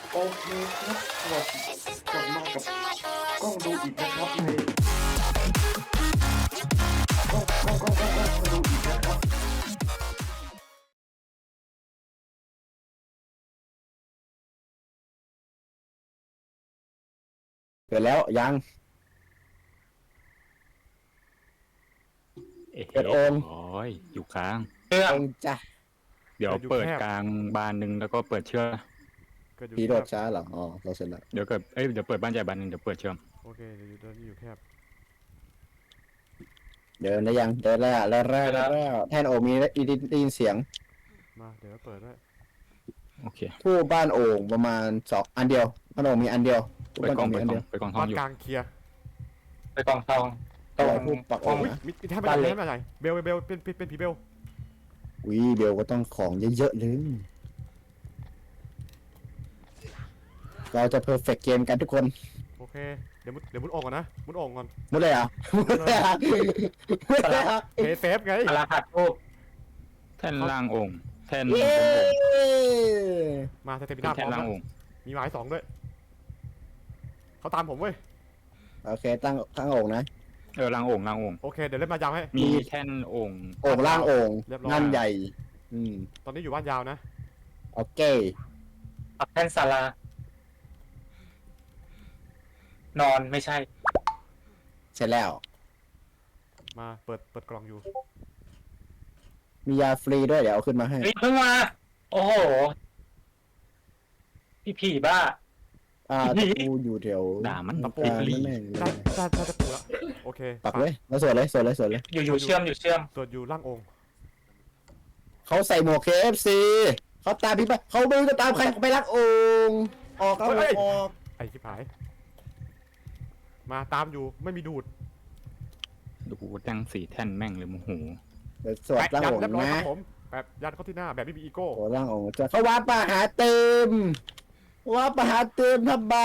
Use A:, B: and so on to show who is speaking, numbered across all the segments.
A: โอเคครับสวัสดีกลับมากับกล้องดูอีกนะครับในกล้องดูอีกนะครับ
B: เกิดแล้วยังเปิดโอ่ง
C: โอ้ยอยู่กลาง
B: โอ่งจ้ะ
C: เดี๋ยวเปิดกลางบานหนึ่งแล้วก็เปิดเชื่อม
D: เกิดอยู่
B: ผีโดด
D: แคบ
B: ช้าเหรออ๋อเราเสร็จแล้ว
C: เดี๋ยวเปิดบ้านใหญ่บานหนึ่งเดี๋ยวเปิดเชื่อม
D: โอเคเดี๋ยวอยู่ตอนนี้อยู่แคบ
B: เดินได้ยังเดินแล้วแทนโอ่งมีได้ยินเสียง
D: มาเดี๋ยวเปิดไว้
C: โอเค
B: ผู้บ้านโอ่งประมาณ2อันเดียวบ้านโอ่งมีอันเดียวผู้
C: เปิด
B: บ้าน
C: กล้
B: โอ่
C: อง
B: งมี
C: เปิด
B: อัน
C: กล้
B: เดียว
C: องเปิดกล้องทองอยู่
D: บ้านกลางเคลียร์
E: ไปกองทองตร
B: อะไร
E: ง
B: ผู้ปักโอ่ง
D: อุ้ย
B: นะ
D: มีแทบไม่ได้แทบไม่ได้เบลเป็นผีเบล
B: วิเบลก็ต้องของเยอะๆเลยเราจะเพอร์เฟกต์เกมกันทุกคน
D: โอเคเดี๋ยวมุดโอ่งก่อนนะมุดโอ่งก่อน
B: มุดเลยอ่ะมุดเลยอ่ะมุดเลยอ่ะ
D: เซฟไง
E: สารพัดรูป
C: แท่นล่างโอ่งแท่นบ
B: เย้
C: นโอ่ง
D: มาสเตปิ
C: เป็น
D: น่าพ
C: แท่
D: ร้อน ม
C: ล่าง
D: แล้ว
C: โอ่ง
D: มีหมาย2ด้วยเขาตามผมเว้ย
B: โอเคตั้งโอ่งนะ
C: ล่างโอ่งล่างโอ่ง
D: โอเคเดี๋ยวเล่นมายาวให้
C: มีแท่นโอ่ง
B: โอ่งล่างโอ่ง
D: เรียบร้อย
B: งานใหญ่
D: ตอนนี้อยู่บ้านยาวนะ
B: โอเค
E: ปักแท่นศาลานอนไม่ใช่
B: เสร็จแล้ว
D: มาเปิดกล่องอยู่
B: มียาฟรีด้วยเดี๋ยวเอาขึ้นมาให้
E: เฮ้ยเพิ่งมา โอ้โห พี่ผีบ้า
B: ตะปูอยู่แถว
C: ด่ามัน
D: ตะปู
C: ลิ
B: นั่นเอง
D: ได้ตะปูแล้วโอเค
B: ปักเลยแล้วสวดเลย
E: อยู่เชื่อม
D: ตรวจอยู่ล่างโอ่ง
B: เขาใส่หมวก KFC เขาตามพี่ไปเขาไม่รู้จะตามใครเขาไปรักโองค์ออกเอาออก
D: ไอ้ชิบหายมาตามอยู่ไม่มีดูด
C: ดูตั้ง4แท่นแม่งเลยโมโห
B: เดี๋ยวสวดร่าง
D: ยัน
B: อง
D: เรียบ
B: ค์
D: ร้อยค
B: นะ
D: รับผมแบบยันเข้าที่หน้าแบบไม่มีอีโก้
B: โอ้ร่างองค์จะเขาว่าปะหาเติมว่าปะหาเติมทำไม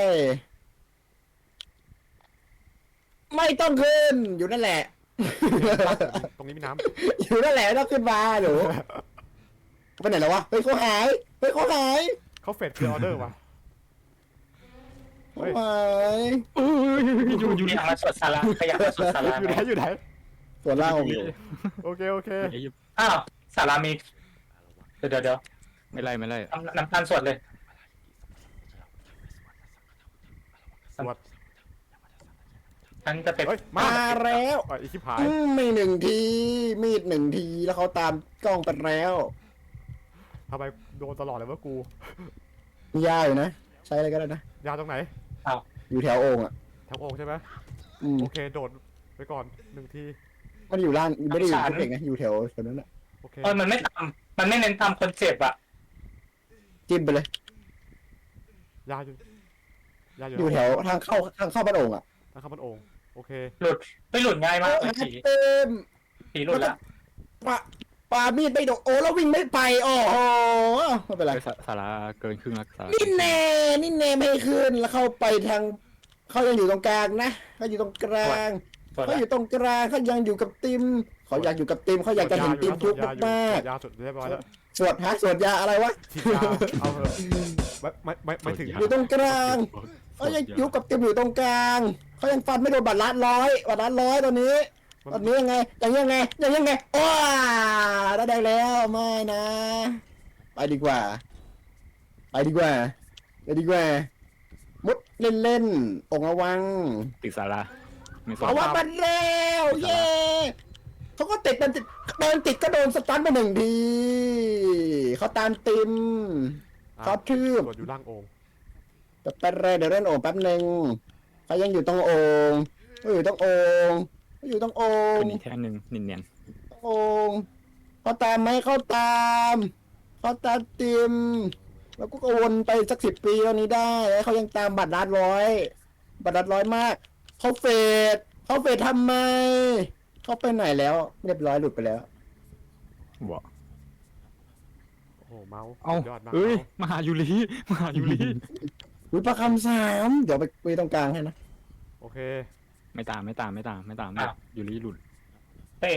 B: ไม่ต้องขึ้นอยู่นั่นแหละ
D: ตรงนี้มีน้
B: อยู่นั่นแหละไม่ต้องขึ้นมาหนูไปไหนแล้ววะเฮ้ยเขาหาย
D: ำเขาเฟดคือออเดอร์ว่ะ เฮ้ย
B: หาย
E: อยู่นี่มาสวดศาลาขยับมาสวดศาลา
D: อยู่ไหน
B: ส่วนร่างองค์อยู่
D: โอเค
E: อ้าวศาลามีเดี๋ยว
C: ไม่ไล่
E: น้ำตาลสวดเลย
D: สวัสด
E: ฉันจะเป็น
D: เฮ้ย
B: มาแล้ว
D: ไอ้ชิบหาย
B: ไม่หนึ่งทีมีดหนึ่งทีแล้วเขาตามกล้องไปแล้ว
D: ทำไมโดนตลอดเลยวะกู
B: มียาอยู่นะใช้อะไรก็ได้นะ
D: ยาวตรงไหน
B: อยู่แถวโอ่งอ่ะ
D: แถวโอ่งใช่ไหม
B: อืม
D: โอเคโดดไปก่อน1 ที
B: มันอยู่ล่างไม่ได้อยู่ที่เด็กนะอยู่แถวนั้นอ่ะ
D: โอเค
E: มันไม่ทำมันไม่เน้นทำคนเจ็บอะ
B: จิ้มไปเลย
D: ยาวอยู่ยาวอยู่
B: อยู่แถวทางเข้าบ้านโอ่งอ่ะ
D: ทางเข้าบ้านโอ่งโอเค
E: หลุดไม่หลุดง่ายมากเลยผี
B: เต็ม
E: ผีหลุดละ
B: ปามีดไม่โดนโอ้แล้ววิ่งไม่ไปโอ้โหไม่เป็นไร
C: สาราเกินครึ่งแล้วสารา
B: นี่แน่ไม่ให้ขึ้นแล้วเข้าไปทางเขายังอยู่ตรงกลางนะเขาอยู่ตรงกลาง
E: สวด
B: เขา
E: ละ
B: อยู่ตรงกลางเขายังอยู่กับติมเขาอยากอยู่กับติมเขาอยากจะเห็นติมทุกข์มาก
D: ยาวสุดเรียบร้อยแล้ว
B: ๆสวดยาอะไรวะ
D: ฉีดยาเอาเถอะไม่ถึง
B: อยู่ตรงกลางเขายังอยู่กับติมอยู่ตรงกลางเขายังฟันไม่โดนบาดร้อยตอนนี้ยังไงยังไงว้าได้แดงแล้วไม่นะ ไปดีกว่ามุดเล่นองระวัง
C: ติดสาราไม่สน
B: เอาว่ามันแล้วเย้เขาก็ติดเดินติดก็โดนสตันไป1 ทีเขาตามติมเขาทืบ
D: ตรวจอยู่ล่างโอ่ง
B: เดี๋ยวเล่นโอ่งแป๊บหนึ่งเขายังอยู่ตรงโอ่งอยู่ตรงโอ่ง
C: เป็นอีกแท่นหนึ่งเนียน
B: โอ่งเขาตามไหมเขาตามติมแล้วก็วนไปสัก10 ปีแล้วนี้ได้เขายังตามบัตรลัดร้อยมากเขาเฟดทำไมเขาไปไหนแล้วเรียบร้อยหลุดไปแล้ว
C: ๆบอก
D: โอ้โหเมาส์
C: เอ้า
D: ยอดมาก
C: เอ้ย
D: เมาส์
C: มหายุรี
B: ประคำ3เดี๋ยวไปตรงกลางให้นะ
D: โอเค
C: ไม่ตามยูรีหลุด
E: เตะ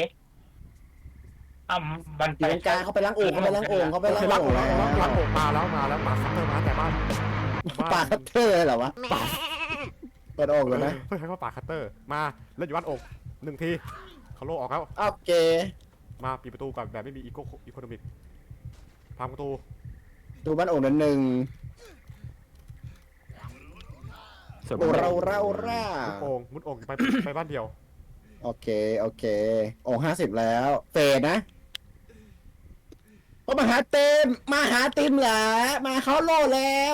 E: มัน
B: อยู่ตรงกลางเขาไปล้างโอ่ง
D: ล้างโอ่งมาแล้วมาคัตเตอร์มาแต่บ้าน
B: ปากคัตเตอร์เหรอวะปากเปิดออกเลยนะ
D: เฮ้ยใครว่าปากคัตเตอร์มาเล่นอยู่บ้านอก1 ทีเขาโลออกแล้ว
B: โอเค
D: มาปิดประตูก่อนแบบไม่มีอีโคโนมิกพังประตู
B: ดูบ้านโอ่งนั้นหนึ่ง
C: เสิร์ฟ
B: โอ้เรา
D: มุดโอ่งไปบ้านเดียว
B: โอเคโอ่ง50 แล้วเฟดนะก็มาหาเต็มเหรอมาเขาโล่แล้ว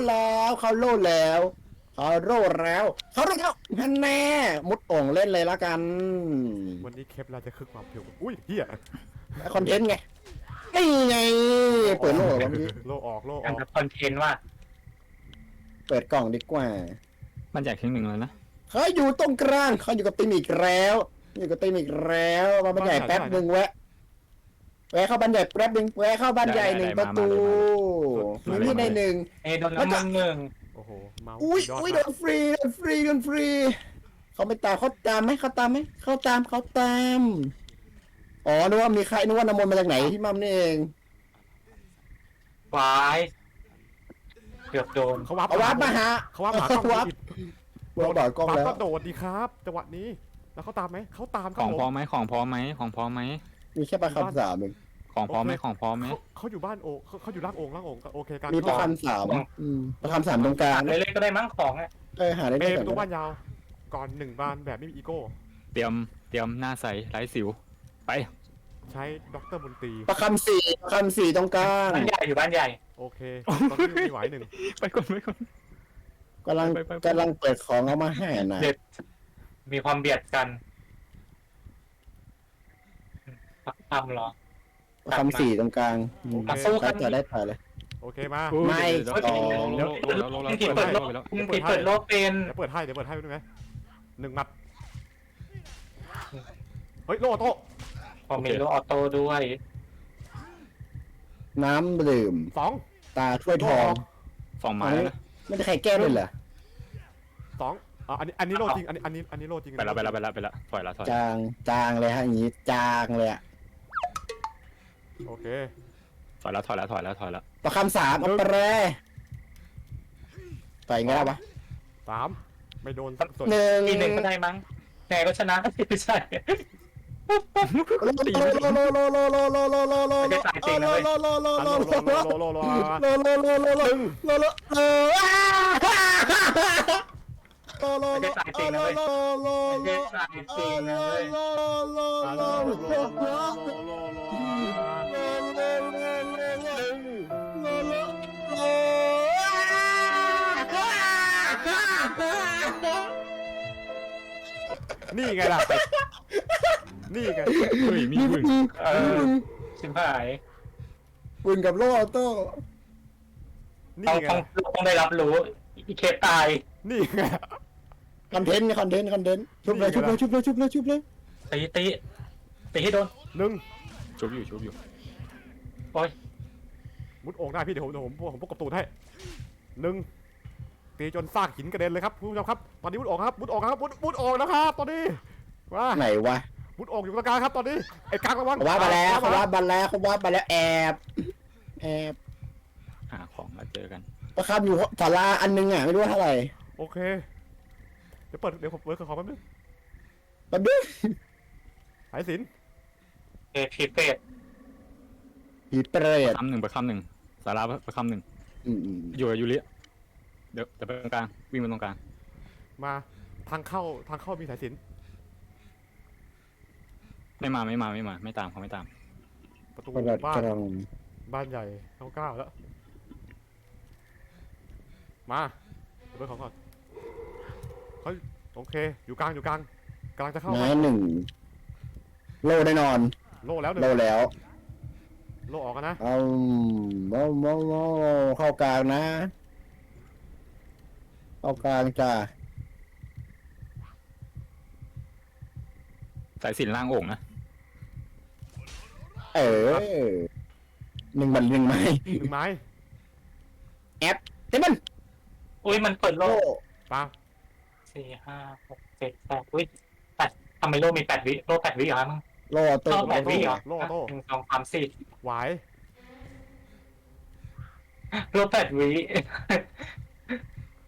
B: ฮันแน่มุดโอ่งเล่นเลยละกัน
D: วันนี้เคปเราจะคึกความเพียวอุ้ยเฮีย
B: คอนเทนต์ไงนี่ไงเปิดโล่เหรอวะเมื่อกี้
D: โลออก
E: การทำคอนเทนต์ว่า
B: เปิดกล่องดีกว่า
C: มันแจก1แล้วนะ
B: เขาอยู่ตรงกลางเขาอยู่กับติมอีกแล้วมาบันใหญ่แป๊บหนึ่งแวะเข้าบันใหญ่แป๊บหนึ่งแวะเข้าบันใหญ่1 ประตูมีที่ใน1
E: โดนน้ำมันหนึ่ง
D: โอ้โหเมา
B: อุ้ย
D: สุด
B: อุ้ย
D: ย
B: โด
D: อด
B: นฟรีเขาไม่ตามเขาตามไหมเขาตามอ๋อนึกว่ามีใครนึกว่าน้ำมนต์มาจากไหนที่มั่มนี่เอง
E: วายเกือบโดน
D: เขาวับ
B: เอาวับมาหา
D: เขาวับหากล้อง
B: วับ
D: ผิด
B: วับกล้องแล้ว
D: ก็โดดดีครับจังหวะนี้แล้วเขาตามไหมเขาตามค
C: ข
D: รับ
C: อง
D: ผม
C: พร้อมไหมของพร้อมไหม
B: มีแค่ประคำ3เอง
C: ของพร้อมไหมของพร้อมไหม
D: เขาอยู่บ้านเขาอยู่ล่างโอ่งโอเคกัน
B: มีประคำ3ประคำ3ตรงกลาง
E: เล่นๆก็ได้มั้งของอ่ะ
B: หาได้
D: เม
B: ไม่
D: ย์
B: ก่
D: ประตู
B: อน
D: บ้านยาวก่อน1 บานแบบไม่มีอีโก้
C: เตรียมหน้าใสไร้สิวไป
D: ใช้ด็อกเตอร์มนตรี
B: ประคำ4ตรงกลาง
E: บ้านใหญ่อยู่บ้านใหญ่
D: โอเคตอนนี้มีไหว1
C: ไปก่อน
B: กำลังเปิดของเอามาให้นะ
E: เด็ดมีความเบียดกันปักทำเหรอ
B: ประคำ4ตรงกลาง
E: สู้กัน
B: จะได้ถ่ายเลย
D: โอเคมา
B: ไม่
C: เดี๋ยว
E: ผิดเปิดโลกผิดเปิดโลกเป็น
D: เดี๋ยวเปิดให้ดูไหม1 มัดเฮ้ยโลโต้
E: ผมมีโลออโต้ด้วย
B: น้ำดื่ม
D: 2
B: ตาถ้วยทอง
C: 2 ไม้แล้วนะ
B: ไม่ได้ใครแก้ด้วยเหรอ
D: อันนี้โลจริงอันนี้โลจริง
C: ไปแล้วถอย
B: จางเลยฮะอย่างนี้จางเลยอะ
D: โอเค
C: ถอยแล้ว
B: ประคำ3เอาไปเลยไปไงล่ะวะ
D: 3ไม่โดนส่วน
E: ที1ก็ได้มั้งแหนก็ชนะไม่ใช่ ไม่ได้สายจริงนะเว้ยไม่ได้สายจริงนะเว้ย
D: นี่ไงล่ะนี่ไง
C: เฮ้ยมีพึ่ง
E: ชิบหาย
B: ปืนกับโล่ออโต้
D: นี่
E: ต้อง
D: ไง
E: ต้องได้รับรู้อีเคปตาย
D: นี่ไง
B: คอนเทนต์ชุบเลย
E: ตีให้โดน
C: ชุบอยู่
E: โอ้ย
D: มุดโอ่งได้พี่เดี๋ยวผมพกกบตูนให้1ตีจนซากหินกระเด็นเลยครับผู้ชมครับตอนนี้มุดโอ่งนะครับมุดโอ่งนะครับตอนนี้ว่า
B: ไหนวะ
D: มุดโอ่งอยู่ตรงกลางครับตอนนี้ไอ้กลางระวัง
B: เขาว่ามาแล้วแอบ
C: หาของมาเจอกัน
B: ประคำอยู่ศาลาอันนึงอ่ะไม่รู้ว่าเท่าไหร่
D: โอเคเดี๋ยวผมเปิดของแป๊บนึง
B: แป๊บนึง
D: สายสิน
E: ผีเป็ด
B: ผีเปรต
C: ไปคำหนึ่งสาราไปคำหนึ่งอยู่กับยูริเดี๋ยวไปตรงกลางวิ่งไปตรงกลาง
D: มาทางเข้ามีสายสิน
C: ไม่ตามเขาไม่ตาม
D: ประตู
B: กระดัด
D: บ้าก น
B: ระดอง
D: บ้านใหญ่เข้า9แล้วมาเปิดของก่อนเขาโอเคอยู่กลางกำลังจะเข้า
B: ไม้1โล่แน่นอน
D: โล่แล้วหนึ่ง
B: โล่แล้ว
D: โล่ออกกันนะ
B: เอาเข้ากลางนะเข้ากลางจ้า
C: สายสินล่างโอ่งนะ
B: 1 บัน 1 ไม้
D: 1 ไม้
B: เต็มมัน
E: อุ้ยมันเปิดโล
B: โล่
E: ก
D: ปา
E: 4 5 6 7 8อุ้ย8ทำไมโลมี8 วิโล8 วิเหรอมั้ง
B: โล่ออโต้
E: โล8 วิเหรอ
D: โล่โต้
E: 1 2 3 4
D: ไหว
E: โล8 วิ